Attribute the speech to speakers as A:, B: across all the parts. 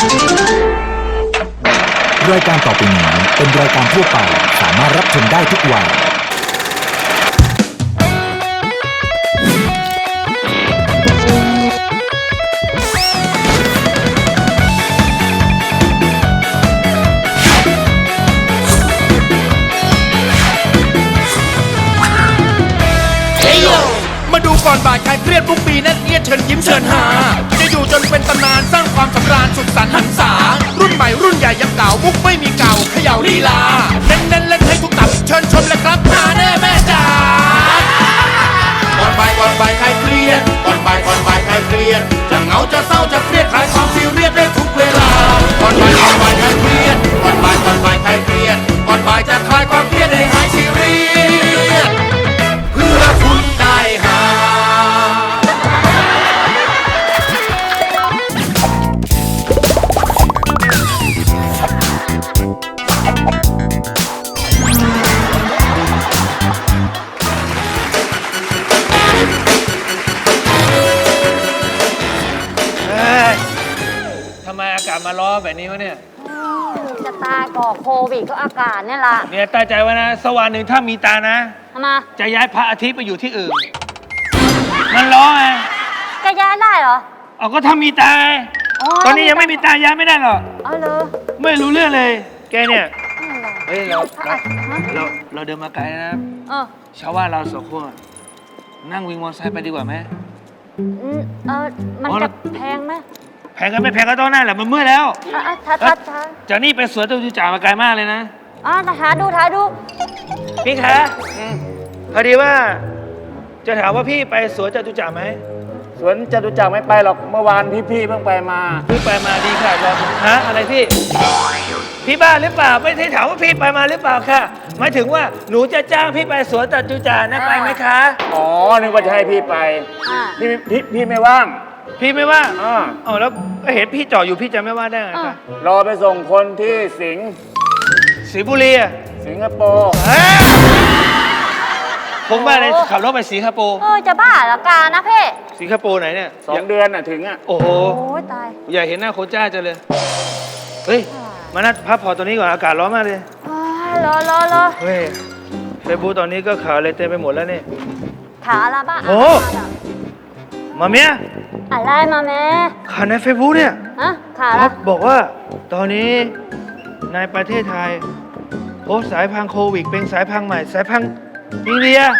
A: รายการต่อไปนี้เป็นรายการทั่วไปสามารถรับชมได้ทุกวัย
B: มาดูก่อนบ่ายใครเครียดทุกปีนั่นเอียดเชิญยิ้มเชิญหาจะอยู่จนเป็นตำนานสร้างความสำราญสุดสันต์หันษารุ่นใหม่รุ่นใหญ่ยังเก่ามุกไม่มีเก่าเขย่าลีลาเน้นเล่นให้ทุกตับเชิญชมเลยครับหาแน่แม่จ๋าก่อนบ่ายใครเครียดก่อนบ่ายใครเครียดจะเหงาจะเศร้าจะเครียดคลายความซีเรียสได้ทุกเวลาก่อนบ่ายใครเครียดก่อนบ่ายใครเครียดก่อนบ่ายจะคลายความเครียดให้หายซีเรียสเพื่อคุณได้หา
C: ทำไมอากาศมาล้อแบบนี้วะเนี่ย
D: จะตายก่อโควิดก็อากาศเนี่ยล่ะ
C: เนี่ยตั้งใจไว้นะสวรรค์หนึ่งถ้ามีตานะ
D: ทำไม
C: จะย้ายพระอาทิตย์ไปอยู่ที่อื่น มันล้อไง
D: แกย้ายได้เหรอ
C: เอาก็ถ้ามีตาไงตอนนี้ยังไม่มีตาย้ายไม่ได้หรอก
D: เอาเลย
C: ไม่รู้เรื่องเลย แกเนี่ย
D: อะไร
C: เฮ้ยเราเดินมาไกลนะ
D: เออ
C: ชาวบ้านเราสองคนนั่งวิงมอเตอร์ไซค์ไปดีกว่าไหม
D: มันจะแพงไหม
C: แพงกันไม่แพงก็ต้องนั่นแหละมันเมื่อยแล้ว
D: ท้า
C: จากนี่ไปสวนจตุจักรมาไกลมากเลยนะ
D: ท้าดู
C: พี่คะพอดีว่า จะถามว่าพี่ไปสวนจตุจักรไหม
E: สวนจตุจักรไม่ไปหรอกเมื่อวานพี่เพิ่งไปมา
C: พี่ไปมาดีค่ะรอฮะอะไรพี่ พี่บ้าหรือเปล่าไม่ได้ถามว่าพี่ไปมาหรือเปล่าค่ะหมายถึงว่าหนูจะจ้างพี่ไปสวนจตุจักรนะไปไหมคะ
E: อ๋อนึกว่าจะให้พี่ไป พี่ไม่ว่าง
C: พี่ไม่ว่า
E: อ่า
C: อ๋อแล้วเห็นพี่จ่ออยู่พี่จะไม่ว่าได้ไงคะ
E: รอไปส่งคนที่สิงห์
C: สิงห์บุรีอะ
E: สิงคโปร์
C: ผมบ้าเลยขับรถไปสิงคโปร์
D: จะบ้าเหรอกานะเพ่
C: สิงคโปร์ไหนเนี่ย
E: 2 เดือนน่ะถึงอ่ะ
C: โอ้โห
D: โอ้ยตาย
C: อยากเห็นหน้าโคจ้าจังเลยเฮ้ยมานัดพักผ่อนตัวนี้ก่อนอากาศร้อนมากเลย
D: รอ
C: เฮ้ยเฟซบุ๊กตอนนี้ก็ข่าวอะไรเต็มไปหมดแล้วนี่
D: ขาอะไรบ้า
C: โอ้ มาเมีย
D: อะไรมาแม่
C: ข่าวในเฟซบุ๊กเนี่ย
D: ขา
C: ค
D: ละ
C: รับบอกว่าตอนนี้ในประเทศไทยพบสายพันธุ์โควิดเป็นสายพันธุ์ใหม่สายพันธุ์อินเดีย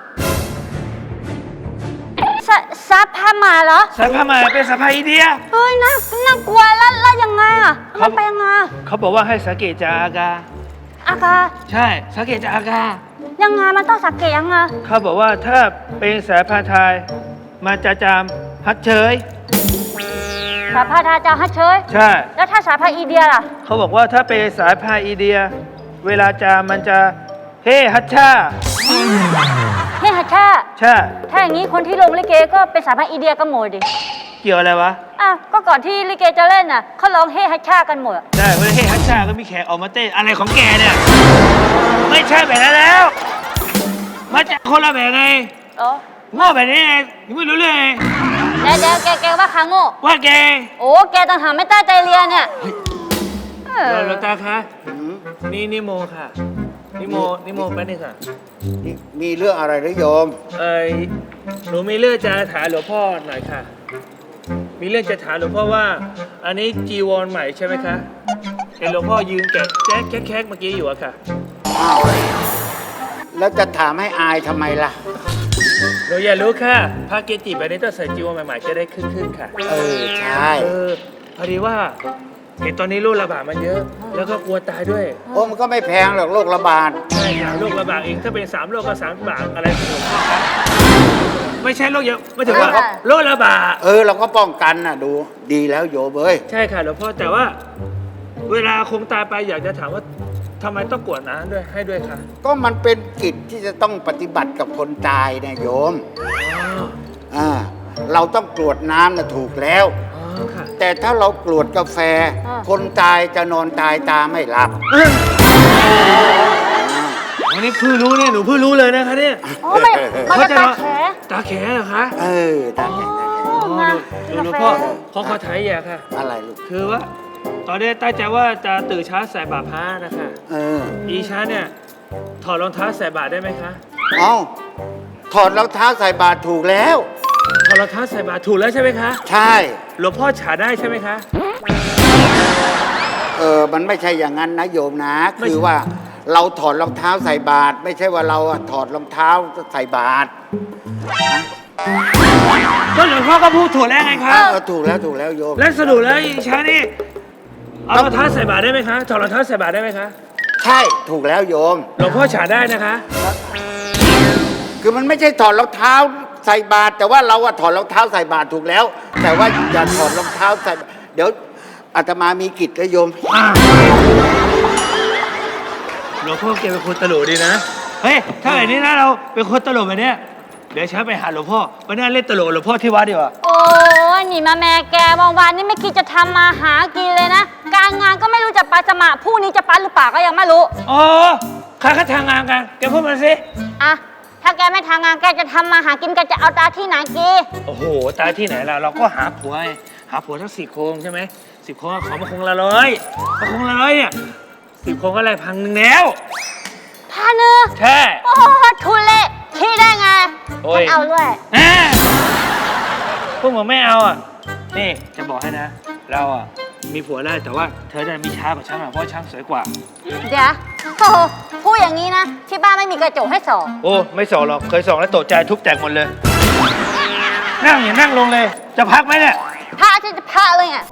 D: ซับผ้ามาเหรอ
C: สายพันธุ์ใหม่เป็นสายพันธุ์อินเดีย
D: เฮ้ยน่ากลัวแล้วยังไงอ่ะมันเป็นยังไง
C: เขาบอกว่าให้สังเกตจากอาการ
D: อากา
C: ใช่สังเกตจากอาการ
D: ยังไงมันต้องสังเกตยังไง
C: เขาบอกว่าถ้าเป็นสายพันธุ์ไทยมาจะจามฮัดเฉย
D: สายพันธุ์ไทยจะฮัทเชย
C: ใช่
D: แล้วถ้าสายพันธุ์อินเดียล่ะ
C: เขาบอกว่าถ้าเป็นสายพันธุ์อินเดีย เวลาจามมันจะเฮ้ฮัชชา
D: เฮ้ฮัทชา
C: ใช่
D: ถ้าอย่างนี้คนที่ลงลิเกก็เป็นสายพันธุ์อินเดียกันหมดดิ
C: เกี่ยวอะไรวะ
D: ก็ก่อนที่ลิเกจะเล่นน่ะเขาร้องเฮ้ฮัทชากันหมด
C: ใช่เวลาเฮ้ฮัชชาก็มีแขกออกมาเต้นอะไรของแกเนี่ย ไม่ใช่แบบนั้นแล้ว มาจากคนละแบบไง
D: อ๋อ
C: โง่แบบนี้ไงยังไม่รู้เรื่องไง
D: เดี๋ยวแกว่าค้างโง่
C: ว่าแก
D: โอ้แกต่างหากไม่ตั้งใจเรียนเนี่ย
C: เราตาคะนี่นิโมค่ะนิโมไปนี่ค่ะ
F: มีเรื่องอะไรหรือโยม
C: หนูมีเรื่องจะถามหลวงพ่อหน่อยค่ะ มีเรื่องจะถามหลวงพ่อว่า อันนี้จีวรใหม่ใช่ไหมคะเห็นหลวงพ่อยืนแกะแคกเมื่อกี้อยู่อะค่ะ
F: แล้วจะถามให้อายทำไมล่ะ
C: หนูอยากรู้ค่ะพระเกจิแบบนี้ต้องใส่จีวรใหม่ๆจะได้ขึ้นค่ะ
F: ใช่
C: พอดีว่าเห็นตอนนี้โรคระบาดมันเยอะ แล้วก็กลัวตายด้วย
F: โอ้มันก็ไม่แพงหรอกโรคระบาด
C: ใช่ค่ะโรคระบาดเองถ้าเป็น3 โรคก็3 บาทอะไรของผมครับไม่ใช่โรคเยอะไม่ถึงว่าโรคระบาด
F: เราก็ป้องกันน่ะดูดีแล้วโยมเอ้ย
C: ใช่ค่ะหลวงพ่อแต่ว่า เวลาคงตายไปอยากจะถามว่าทำไมต้องกรวดน้ำด้วยให้ด้วยค่ะ
F: ก็มันเป็นกิจที่จะต้องปฏิบัติกับคนตายเนี่ยโยมเราต้องกรวดน้ำนะถูกแล้ว
C: ค่ะ
F: แต่ถ้าเรากรวดกาแฟ คนตายจะนอนตายตาไม่หลับ
C: วันนี้เพิ่งรู้เนี่ยหนูเพิ่งรู้เลยนะคะเนี่ย
D: โอ้มันจะตาแข
C: ตาแขเหรอคะ
F: ตาแข็ง
C: หลวงพ่อขอถ่ายอย่าค่ะ
F: อะไรลูก
C: คือว่าตอนนี้ตั้งใจว่าจะตื่นเช้าใส่บาตรพระนะคะ อีช้าเนี่ยถอดรองเท้าใส่บาตรได้ไหมคะ
F: เอาถอดรองเท้าใส่บาตรถูกแล้ว
C: ถอดรองเท้าใส่บาตรถูกแล้วใช่ไหมคะ
F: ใช่
C: หลวงพ่อฉาได้ใช่ไหมคะ
F: มันไม่ใช่อย่างนั้นนะโยมนะ
C: ไม่
F: คือว่าเราถอดรองเท้าใส่บาตรไม่ใช่ว่าเราอะถอดรองเท้าใส่บาตร
C: ก็หลวงพ่อก็พูดถูกแล้วไงคะ
F: ถูกแล้วโยม
C: และสรุปแล้วอีช้านี่เอารองเท้าใส่บาตรได้ไหมคะถอดรองเท้าใส่บาตรได้ไหมคะ
F: ใช่ถูกแล้วโยม
C: หลวงพ่อฉาได้นะคะ
F: คือมันไม่ใช่ถอดรองเท้าใส่บาตรแต่ว่าเราอะถอดรองเท้าใส่บาตรถูกแล้ว แต่ว่าอย่าถอดรองเท้าใส่เดี๋ยวอาตมามีกิจนะโยม
C: หลวงพ่อแกเป็นคนตลกดีนะ เฮ้ย ถ้าแบบนี้นะเราเป็นคนตลกแบบเนี้ยเดี๋ยวฉันไปหาหลวงพ่อไปนั่งเล่นตลกกับหลวงพ่อที่วัดดีกว่า
D: โอ้ยนี่มาแม่แกบางวันนี่ไม่คิดจะทำมาหากินเลยนะ การงานก็ไม่รู้จะไปสมัครพรุ่งนี้จะไปหรือเปล่าก็ยังไม่รู้
C: อ๋อข้าทางงานกัน แกพูดมาสิ
D: อะถ้าแกไม่ทำงานแกจะทำมาหากินแกจะเอาตาที่ไหนกี
C: โอ้โห ตายที่ไหนล่ะ เราก็หาผัวไงหาผัวทั้ง4 โครงใช่ไหม10 โครงขอมาคงละ100มาคงละ100เนี่ย10 โครงก็ได้1,000แล้ว
D: พันหนึ่ง
C: ใช่
D: โอ้โหทุเละคิดได้ไง
C: โอ้ย
D: ฉันเอาด้วย
C: อ่าพวกมึงไม่เอาอ่ะ นี่จะบอกให้นะ เราอ่ะมีผัวได้แต่ว่าเธอเนี่ยมีช้ากว่าฉันอ่ะเพราะช้างสวยกว่า
D: เดี๋ยวโอ้โหพูดอย่างนี้นะ ที่บ้านไม่มีกระจกให้ส่อง
C: โอ้ไม่ส่องหรอกเคยส่องแล้วตกใจทุบแตกหมดเลย นั่งอย่านั่งลงเลย จะพักไหมเนี่ย
D: พระจะพระเลยอ่ะ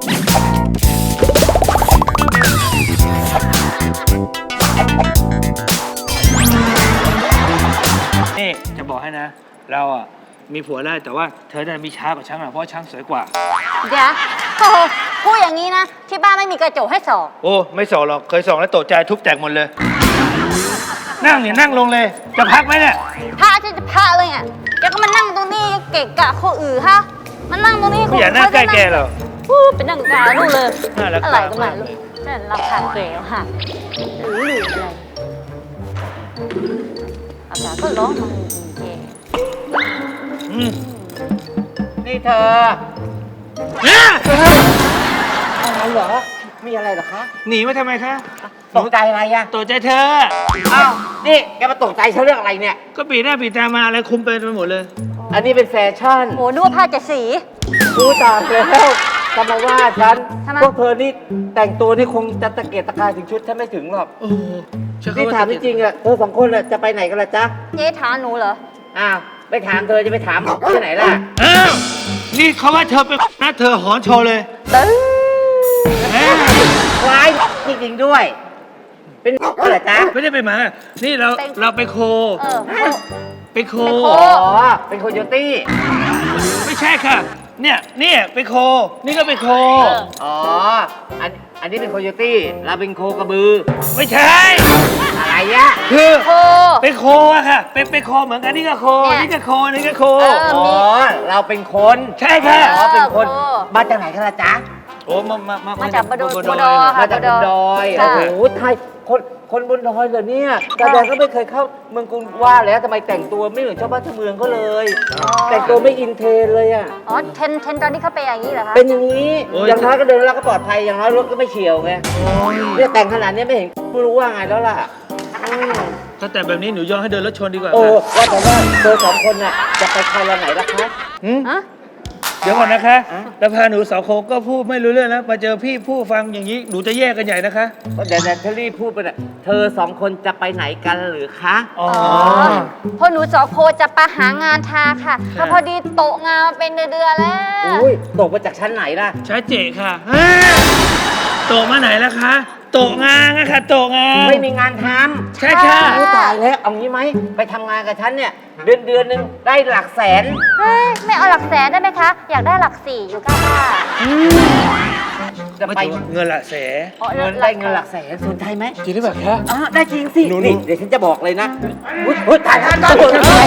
C: นี่จะบอกให้นะ เราอ่ะมีผัวได้แต่ว่าเธอเนี่ยมีช้ากว่าช้างอ่ะเพราะช้างสวยกว่า
D: เดี๋ยวโอ้โหพูดอย่างนี้นะ ที่บ้านไม่มีกระจกให้ส่อง
C: โอ้ไม่ส่องหรอกเคยส่องแล้วตกใจทุบแตกหมดเลย นั่งอย่านั่งลงเลย จะพักไหมเนี่ย
D: พระจะพระเลยอ่ะแกก็มานั่งตรงนี้เกะกะคนอื่นฮะมานั่งตรงนี้
C: ไม่อยากนั่งใกล้แกหรอก
D: เป็นนั่งกาลูกเลย
C: น่ารัก
D: อะไรก็ไม่
C: มากเล
D: รู้
C: ย
D: นั่นราคาเกลียวค่ะหรืออะไรอากาศก็ร้อนมาจริง
C: อืม
G: นี่เธอ
C: เนี่ย
G: อะไรเหรอ มีอะไรเหรอคะ
C: หนีมาทำไมคะ
G: ตกใจอะไรอะ
C: ตกใจเธอ
G: อ้าว นี่แกมาตกใจฉันเรื่องอะไรเนี่ย
C: ก็ปีหน้าปีตามาอะไรคุมไปหมดเลย
G: อันนี้เป็นแฟชั่น
D: ๆโหนึกว่าผ้าเจ็ดสี
G: รู้ตามแล้วจะมาว่าฉัน
D: ทำไม
G: พวกเธอนี่แต่งตัวนี่คงจะตะเกียกตะกายถึงชุดฉันไม่ถึงหรอก
C: โอ้โหฉัน
G: นี่
C: เข้
G: ถามจริงๆอะเธอสองคนอะจะไปไหนกันล่ะจ๊ะ
D: เจ๊ถามหนูเหรอ
G: อ้าวไปถามเธอจะไปถามที่ไหนล่ะ
C: อ้าวนี่เขาว่าเธอเป็นนะเธอหอนโชว์เลย
G: ตึ้ง
C: เอ้ย
G: คล้ายจริงๆด้วย เป็นเหรอจ๊ะ
C: ไม่ได้ไปหมา นี่เราไปโค
D: เออ
C: ไปโค
D: ไปโค
G: อ๋อ เป็นโคโยตี้
C: ไม่ใช่ค่ะ เนี่ยไปโค นี่ก็ไปโค
G: อ๋อ อันนี้เป็นโคโยตี้เราเป็นโคกระบือ
C: ไม่ใช่
G: อะไรอะ
C: คือ
D: โค
C: ไปโคอะค่ะเป็นโคเหมือนกันนี่ก็โค
D: เนี่ย
C: นี่ก็โคนี่ก็โค
D: เออ
G: อ๋อ เราเป็นคน
C: ใช่ค่ะ
G: อ๋อ เป็นคน
D: โอ้
G: มาจากไหนกันล่ะจ๊ะ
C: โอ้มา
D: มาจากบด
C: บ
D: บดอค่ะ
G: มาจากบนดอย
D: ค่ะ
G: โอ้โหไทยคนบนดอยเหรอเนี่ยกระแดงก็ไม่เคยเข้าเมืองกรุงว่าแล้วทำไมแต่งตัวไม่เหมือนชาวบ้านชาวเมืองเขาเลย แต่งตัวไม่อินเทรนด์เลยอ่ะ
D: อ๋อเทนตอนที่เขาไปอย่างนี้เหรอคะ
G: เป็นอย่างนี้ อย่างน้อยก็เดินแล้วก็ปลอดภัย อย่างน้อยรถก็ไม่เฉียวไงเนี่ยแต่งขนาดนี้ไม่เห็นไม่รู้ว่าไงแล้วล่ะอืม
C: ถ้าแต่แบบนี้หนูยอมให้เดินรถชนดีกว่า
G: โอ้
C: ค่ะ
G: ว่าแต่ว่าเธอสองคนน่ะจะไปใครละไหนล่ะคะ
D: ฮะ
C: เดี๋ยวก่อนนะคะ
G: อ่ะ
C: แล้วพาหนูสาวโคก็พูดไม่รู้เรื่องแล้วมาเจอพี่ผู้ฟังอย่างนี้หนูจะแยกกันใหญ่นะคะ
G: เดี๋ยวเธอรีบพูดไปน่ะเธอสองคนจะไปไหนกันหรือคะ
C: อ๋อ
D: พอหนูสองโคจะไปหางานทาค่ะแล้วพอดีโตะงานมาเป็นเดือนๆแล้ว
G: อุ้ยตกมาจากชั้นไหนล่ะ
C: ช้าเจค่ะโตะมาไหนแล้วคะโตะงานนะคะโตะงาน
G: ไม่มีงานทำ
C: ใช่ค่ะ
G: อุ๊ยตายแล้วเอางี้ไหมไปทำงานกับฉันเนี่ย เดือนหนึ่งได้หลักแสน
D: เฮ้ยไม่เอาหลักแสนได้ไหมคะ อยากได้หลักสี่อยู่ก้าบ้า
G: จะ
C: ไม่
G: ไป
C: ถึงเงินละแส
D: อ๋อ
G: เงินได้เงินหลักแสนสนใจไหม
C: จริงหรือเปล่าคะ
G: อ๋อได้จริงสิ
C: หนู
G: นี่เดี๋ยวฉันจะบอกเลยนะอุ้ยถ่ายท่านก่อน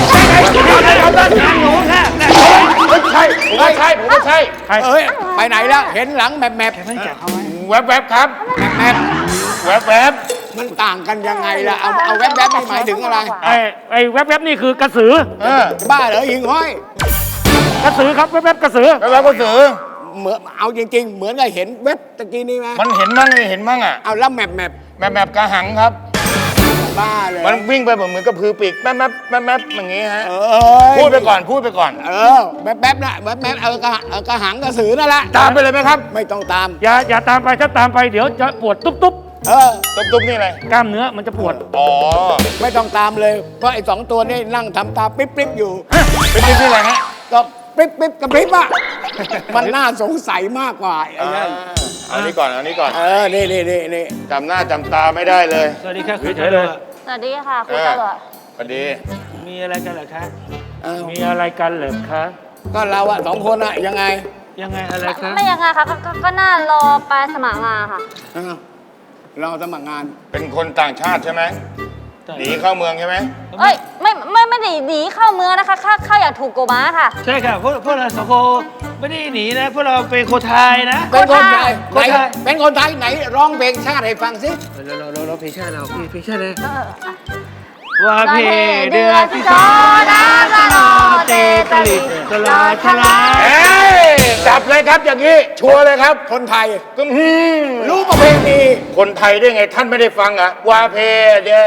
C: หนูค่ะ
F: ไม่ใช่ผมไม่ใช่เอ้ย ไปไหนแล้ว เห็นหลังแมบ
C: ไม่จับเขาไว้
F: แวบๆครับ แมบแวบมันต่างกันยังไงล่ะ เอาแวบนี่หมายถึงอะไร
E: ไอ้แวบๆนี่คือกระสือ
F: บ้าเหรอหิงห้อย
E: กระสือครับแวบๆกระสือ
F: แวบก็สือ
H: เหมือนเอาจริง ๆ เหมือนกับเห็นเว็บตะกี้นี้ไหม
E: มันเห็นมั่งไม่เห็นมั่งอ่ะ
H: เอาแล้วแมป
E: แมปกระหังครับ
H: บ้าเลย
E: มันวิ่งไปเหมือนกับพือปีกแป๊บอย่างงี้ฮะ
H: เออ
E: พูดไปก่อนพูดไปก่อน
H: แป๊บนะแป๊บเอากระหังกระสือนั่นแหละ
E: ตามไปเลยไหมครับ
H: ไม่ต้องตาม
C: อย่าตามไปถ้าตามไปเดี๋ยวจะปวดตุ๊บ
E: ตุ๊บนี่อะไร
C: กล้ามเนื้อมันจะปวด
E: อ๋อ
H: ไม่ต้องตามเลย เพราะไอ้สองตัวนี่นั่งทำตาปิ๊บอยู่
E: เป็นที่อะไรฮะ
H: ก็ปิ๊บกระพริบอ่ะ มันน่าสงสัยมากกว่าไอ้นั่น
E: เอานี้ก่อนเอานี้ก่อน
H: นี่
E: จำหน้าจำตาไม่ได้เลย
C: สวัสดีค่ะคุณ
E: เฉยๆเลย
D: สวัสดีค่ะคุณตำรวจ
E: สวัสดี
C: มีอะไรกันเหรอคะ
H: อ้าว
C: มีอะไรกันเหรอคะ
H: ก็เราอะสองคนอะยังไง
C: ยังไงอะไรคะ
D: ไม่ยังไงค่ะก็น่ารอไปสมัครงานค่ะ
H: อ้าวเราสมัครงาน
E: เป็นคนต่างชาติใช่ไหมหนีเข้าเมืองใช่ไหม
D: เอ้ยไม่ได้หนีเข้าเมืองนะคะเข้าอย่างถูกกฎหมายค่ะ
C: ใช่ค่ะพวกเราสองคนไม่ได้หนีนะพวกเราเป็นคนไทยนะ
H: เป็นคนไทย
C: คนไทย
H: เป็นคนไทยไหนร้องเพลงชาติให้ฟังสิ
C: เราเพลงชาติเราเพลงชาติเลย
D: เออ
C: ว่าเพเดือดที่สอน้ำละนอเตตะลิดตลอดทลาย
E: เอ้ยจับเลยครับอย่างนี้ ชัวร์เลยครับ
H: คนไทย
E: ก็
H: รู้ประเพณี
E: คนไทยได้ไงท่านไม่ได้ฟังอ่ะวาเพเด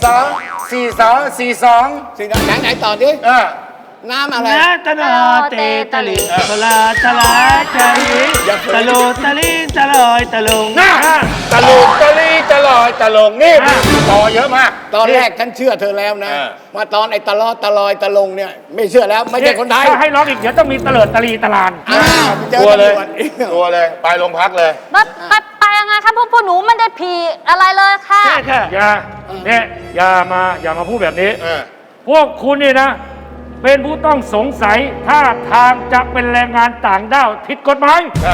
E: 42
H: ไหนต่อดิ
E: อ่า
H: น้ำอะไร
C: น้ำตะนอเตตะลิดตลอดทลายใจตะโลตะลินตะลอยตะลง
E: น่าตะลุกตะลีตะลอยตะลงนี่ต่อเยอะมาก
H: ตอนแรกฉันเชื่อเธอแล้วนะ
E: เออ
H: มาตอนไอ้ตะลอตะลอยตะลงเนี่ย ไม่เชื่อแล้วไม่ใช่คนไทย
C: ถ้าให้ร้องอีกเดี๋ยวต้องมีเตลิดตะลีตะลาน
H: อ้าวไปเจอ
E: ชัวร์เลย
H: ตำรวจอีก
E: ชัวร์เลยไปโรงพักเลย
D: ไปยังไงคะพวกหนูไม่ได้ผีอะไรเลยค่ะ
C: ใช่ค่ะอย่ามาพูดแบบนี้
E: เออ
C: พวกคุณนี่นะ เป็นผู้ต้องสงสัยท่าทางจะเป็นแรงงานต่างด้าวผิดกฎหมาย
E: ใช่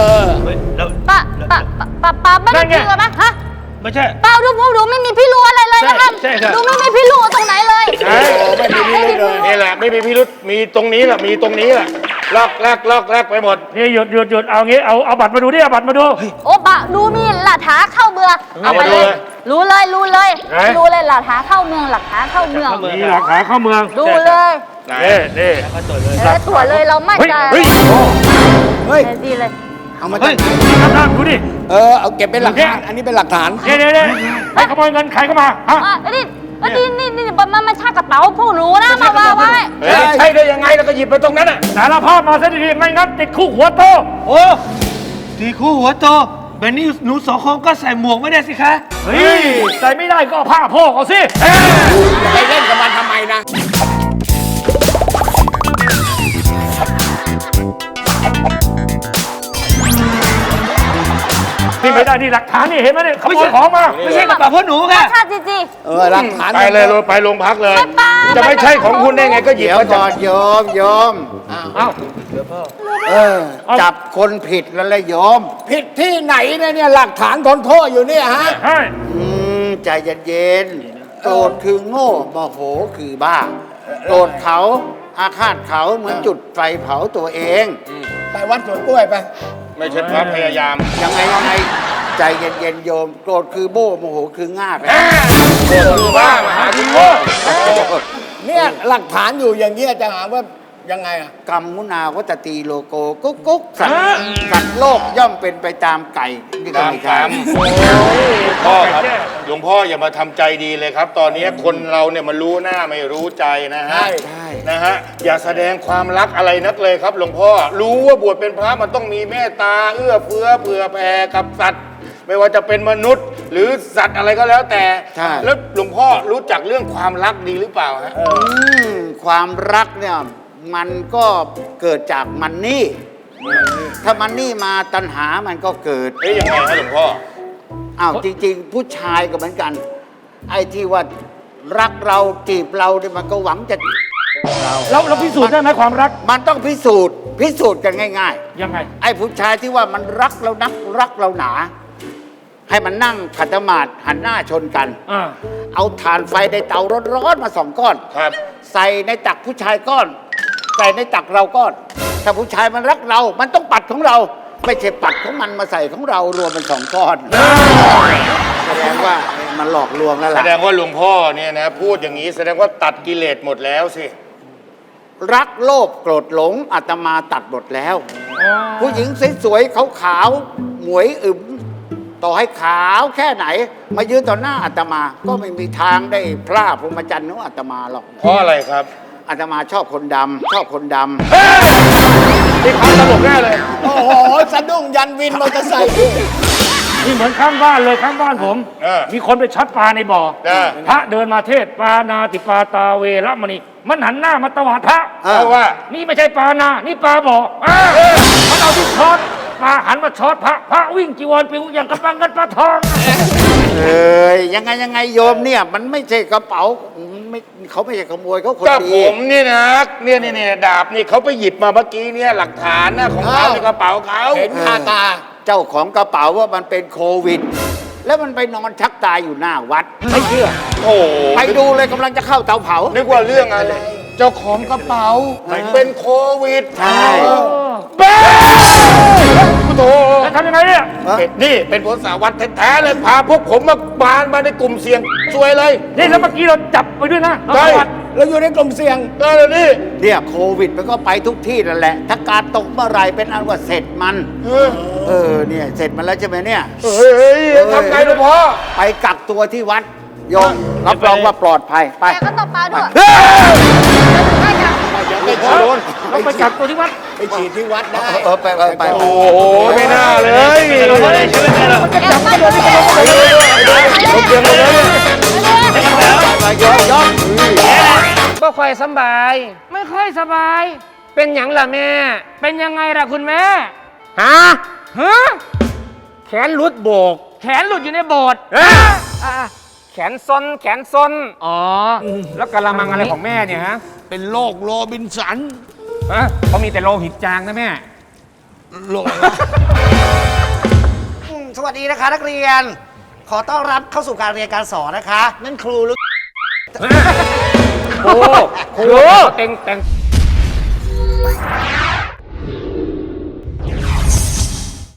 D: ป้าไม่ได้
C: นั่นไง
D: ผีหรอมะฮะ
C: ไม่ใช่
D: เปล่าดูไม่มีพี่รู้อะไรเลยนะคะ
C: ใช่ครับ
D: ดูไม่มีพี่รู้ตรงไหนเลย
E: ใช่ไม่มีพิรุธเลยนี่แหละไม่มีพิรุธมีตรงนี้แหละมีตรงนี้แหละลอกแรกไปหมด
C: นี่หยุดเอางี้เอาบัตรมาดูดิเอาบัตรมาดู
D: โอ้บะดูมีหลักฐานเข้าเมือง
E: เอามาดูเลย
D: รู้เลยรู้เลยหลักฐานเข้าเมืองหลักฐานเข้าเมือง
C: มีหลักฐานเข้าเมือง
D: ดูเลย
E: ไหน
C: นี่
D: ตรวจเลยเรามั่นใจ
C: เฮ้ย
H: เฮ้ย
D: ดีเลย
H: เอามา
C: เฮ้
H: จาก
C: ย
H: ไหน
C: นั่งดูดิ
H: เอาเก็บเป็นหลักฐานอันนี้เป็นหลักฐาน
C: เนี่ยใครขโมยเงินใครเข้ามาฮะ
D: นี่มันใช่กระเป๋าพวกหนูนะมาวางไว้
E: เฮ้ยใช่ได้ยังไงแล้วก็หยิบไปตรงนั้นอ่ะ
C: สารภาพมาซะดีๆไม่งั้นติดคุกหัวโตโอ้ติดคุกหัวโตแบบนี้หนูสองคนก็ใส่หมวกไม่ได้สิคะเฮ้ยใส่ไม่ได้ก็เอาผ้าโพกเอาสิ
H: ไปเล่นกับมันทำไมนะ
C: นี่ไม่ได้นี่หลักฐานนี่เห็นไหมเนี่ยขโมยของมาไม่ใช่กระเป๋าพ่อหนูค่ะ
D: ชาติจี
H: หลักฐาน
E: ไปเลยไปโรงพักเลย
D: ไม่ไป
E: จะไม่ใช่ของคุณได้ไงก็หยิบ
F: เดี๋ยว
E: มา
F: ก่
E: จา
F: อก นโยม
C: เอ้า
F: จับคนผิดแล้วเลยโยม
H: ผิดที่ไหนเนี่ยหลักฐานทนโทษอยู่เนี่ยฮะ
C: ใช่
F: ใจเย็นๆโกรธคือโง่โมโหคือบ้า โกรธเขาอาฆาตเขาเหมือนจุดไฟเผาตัวเอง
H: ไปวัดสวนกล้วยไป
E: ไม่ใช่พระพยายาม
F: ยังไงใจเย็นๆโยม โกรธคือโบ้โมโหคือง่าไป
E: คือบ้ามหาที่โง่
H: เนี่ยหลักฐานอยู่อย่างเงี้ยจะหาว่ายังไงอะ
F: กรรมมุนาวัตตีโลโกกุ๊กกุ๊กสัตว์โลกย่อมเป็นไปตามไก่นี่ก็
E: ตาม
F: ไม่
E: กร
F: ใช่
E: รมพ่อครับหลวงพ่ออย่ามาทำใจดีเลยครับ ตอนนี้คนเราเนี่ยมันรู้หน้าไม่รู้ใจนะฮะ
F: ใช่
E: นะฮะอย่าแสดงความรักอะไรนักเลยครับหลวงพ่อรู้ว่าบวชเป็นพระมันต้องมีเมตตาเอื้อเฟื้อเผื่อแผ่กับสัตว์ ไม่ว่าจะเป็นมนุษย์ หรือสัตว์อะไรก็แล้วแต่
F: ใช่
E: แล้วหลวงพ่อรู้จักเรื่องความรักดีหรือเปล่าฮะ
F: ความรักเนี่ยมันก็เกิดจากมันนี่ ถ้ามันนี่มาตัณหามันก็เกิด
E: เฮ้ยยังไงฮะหลวงพ่อ
F: อ้าวจริง ๆ ผู้ชายก็เหมือนกัน ไอ้ที่ว่ารักเราจีบเราเนี่ยมันก็หวังจะ
C: เราพิสูจน์ได้ไหมความรัก
F: มันต้องพิสูจน์กันง่าย
C: ยังไง
F: ๆ ไอ้ผู้ชายที่ว่ามันรักเรานักรักเราหนา ให้มันนั่งขัดสมาธิหันหน้าชนกัน เอาถ่านไฟในเตาร้อนๆมา2 ก้อน
E: ครับ
F: ใส่ในตักผู้ชายก้อน ใส่ในตักเราก้อน ถ้าผู้ชายมันรักเรา มันต้องปัดของเรา ไม่ใช่ปัดของมันมาใส่ของเรารวมเป็น2 ก้อน แสดงว่ามันหลอกลวงแล้ว
E: แส
F: ล่ะ
E: ดงว่าหลวงพ่อเนี่ยนะพูดอย่างนี้แสดงว่าตัดกิเลสหมดแล้วสิ
F: รักโลภโกรธหลงอาตมาตัดหมดแล้วผู้หญิงสวยๆขาวๆหมวยอึมต่อให้ขาวแค่ไหน มายืนต่อหน้าอาตมา ก็ไม่มีทางได้พลาดพรหมจรรย์ของอาตมาหรอก
E: เพราะอะไรครับ
F: อาตมาชอบคนดำชอบคนดำ
E: นี่ความตลกแน่เลย
H: โอ้โห สะดุ้งยันวินมอเตอร์ไซค์
I: นี่เหมือนข้างบ้านเลยข้างบ้านผม มีคนไปช็อตปลาในบ่อ พระเดินมาเทศปานาติปาตาเวรมณีมันหันหน้ามาตวาดพระ
E: เพราะว่า
I: นี่ไม่ใช่ปลานา นี่ปลาบ่อมันเอาที่ช็อตปลาหันมาช็อตพระวิ่งจีวรปิวอย่างกระปังกันปลาทอง
F: ยังไงโยมเนี่ย มันไม่ใช่กระเป๋าไม่เขาไม่ใช่ขโมยเขาคน
E: ก็
F: ดี
E: ผมนี่นะเนี่ยดาบนี่เขาไปหยิบมาเมื่อกี้เนี่ยหลักฐานนะของเขาในกระเป๋าเขา
H: เห็นคาตา
F: เจ้าของกระเป๋าว่ามันเป็นโควิด แล้วมันไปนอนชักตายอยู่หน้าวัด ไม่เชื่อ
E: โอ้โห
F: ไปดูเลยกำลังจะเข้าเตาเผา
E: นึกว่าเรื่องอะไร เจ้าของกระเป๋าเป็นโควิด
F: ใช่
E: เบ้โธ่
I: จะทำยังไงเนี่ย
E: นี่เป็นผลสาวัตแท้ๆเลยพาพวกผมมาในกลุ่มเสี่ยงซวยเลย
I: นี่แล้วเมื่อกี้เราจับไปด้วยนะ
E: ใช่
H: เราอยู่ในกลุ่มเสี่ยง
E: ก็เลยนี่
F: เนี่ยโควิดมันก็ไปทุกที่นั่นแหละ ถ้าการตกเมื่อไหรเป็นอันว่าเสร็จมัน เนี่ยเสร็จมันแล้วใช่ไหมเนี่ย
E: เฮ้ยทำไงหลวงพ่อ
F: ไปกักตัวที่วัดโยมรับรองว่าปลอดภัย ไป
D: แต่ก็ตบปลาด้วย
E: ไม่โดน
I: ต้องไปจับตัวที่วัด
H: ไปฉีดที่วัดได้
F: ไป
E: โอ้โหไม่น่าเลย
D: แอบมาดูดิ
F: ย้อน
G: ก็ค่อยสบาย ไม่ค่อยสบาย เป็นหยังล่ะแม่ เป็นยังไงล่ะคุณแม่ ฮะ แขนหลุดโบก แขนหลุดอยู่ในโบสถ์แขนซน อ๋อ แล้วกะละมังอะไรของแม่เนี่ยฮะ
H: เป็นโรคโรบินสัน
G: ฮะเขามีแต่โลหิตจางนะแม่
H: โรค
J: สวัสดีนะคะนักเรียน ขอต้อนรับเข้าสู่การเรียนการสอนนะคะ นั่นครูหรือ
G: โอ้โหเต็ง